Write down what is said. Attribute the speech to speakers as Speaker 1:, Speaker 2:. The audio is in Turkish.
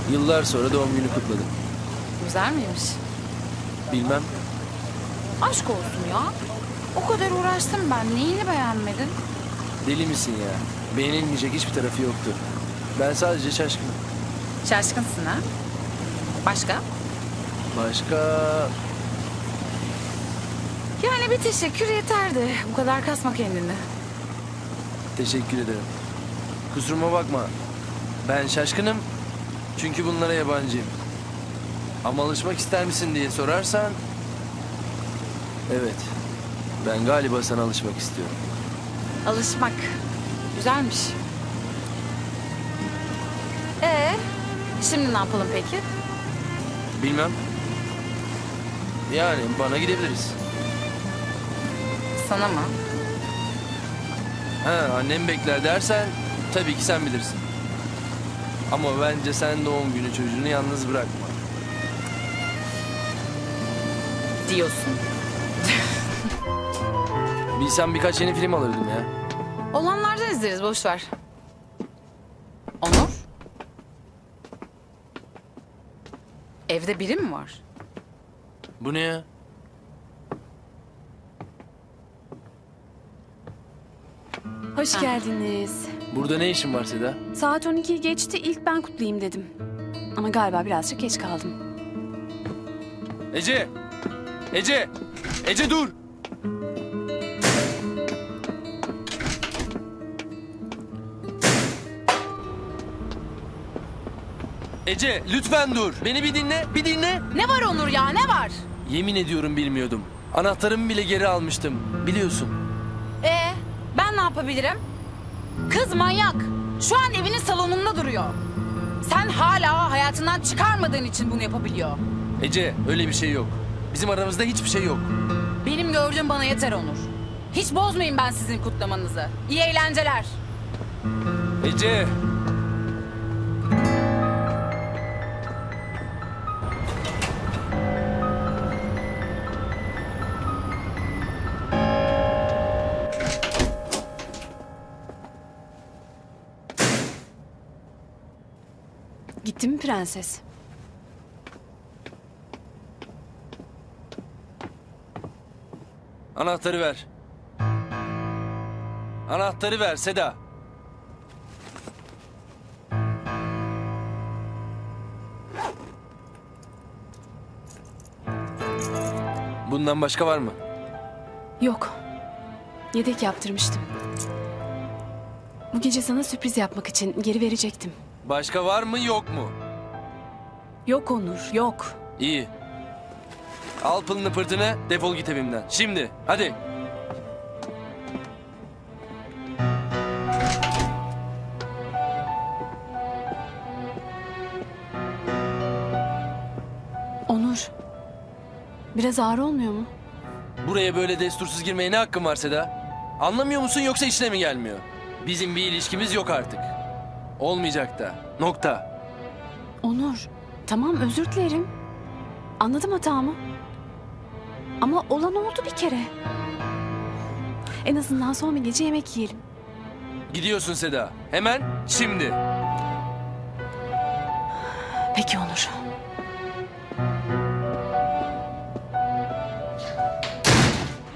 Speaker 1: Yıllar sonra doğum günü kutladım.
Speaker 2: Güzel miymiş?
Speaker 1: Bilmem.
Speaker 2: Aşk olsun ya. O kadar uğraştım ben. Neyini beğenmedin?
Speaker 1: Deli misin ya? Beğenilmeyecek hiçbir tarafı yoktu. Ben sadece şaşkınım.
Speaker 2: Şaşkınsın ha? Başka?
Speaker 1: Başka...
Speaker 2: Yani bir teşekkür yeterdi. Bu kadar kasma kendini.
Speaker 1: Teşekkür ederim. Kusuruma bakma. Ben şaşkınım. Çünkü bunlara yabancıyım. Ama alışmak ister misin diye sorarsan... Evet. Ben galiba sana alışmak istiyorum.
Speaker 2: Alışmak. Güzelmiş. Şimdi ne yapalım peki?
Speaker 1: Bilmem. Yani bana gidebiliriz.
Speaker 2: Sana mı?
Speaker 1: Ha, annem bekler dersen tabii ki sen bilirsin. Ama bence sen doğum günü çocuğunu yalnız bırakma.
Speaker 2: Diyorsun.
Speaker 1: Bilsem birkaç yeni film alırdım ya.
Speaker 2: Olanlardan izleriz, boş ver. Onur? Evde biri mi var?
Speaker 1: Bu ne ya?
Speaker 3: Hoş geldiniz.
Speaker 1: Burada ne işin var Seda?
Speaker 3: Saat 12'yi geçti, ilk ben kutlayayım dedim. Ama galiba birazcık geç kaldım.
Speaker 1: Ece! Ece! Ece dur! Ece lütfen dur. Beni bir dinle, bir dinle.
Speaker 2: Ne var Onur ya, ne var?
Speaker 1: Yemin ediyorum bilmiyordum. Anahtarımı bile geri almıştım. Biliyorsun.
Speaker 2: Ben ne yapabilirim? Kız manyak. Şu an evinin salonunda duruyor. Sen hala hayatından çıkarmadığın için bunu yapabiliyor.
Speaker 1: Ece öyle bir şey yok. Bizim aramızda hiçbir şey yok.
Speaker 2: Benim gördüğüm bana yeter Onur. Hiç bozmayayım ben sizin kutlamanızı. İyi eğlenceler.
Speaker 1: Ece!
Speaker 3: Gitti mi prenses?
Speaker 1: Anahtarı ver. Anahtarı ver Seda. Bundan başka var mı?
Speaker 3: Yok. Yedek yaptırmıştım. Bu gece sana sürpriz yapmak için geri verecektim.
Speaker 1: Başka var mı yok mu?
Speaker 3: Yok Onur, yok.
Speaker 1: İyi. Al pılını pırtını defol git evimden. Şimdi hadi.
Speaker 3: Onur, biraz ağır olmuyor mu?
Speaker 1: Buraya böyle destursuz girmeye ne hakkın var Seda? Anlamıyor musun yoksa işine mi gelmiyor? Bizim bir ilişkimiz yok artık. Olmayacak da. Nokta.
Speaker 3: Onur, tamam özür dilerim. Anladım hatamı. Ama olan oldu bir kere. En azından son bir gece yemek yiyelim.
Speaker 1: Gidiyorsun Seda. Hemen şimdi.
Speaker 3: Peki Onur.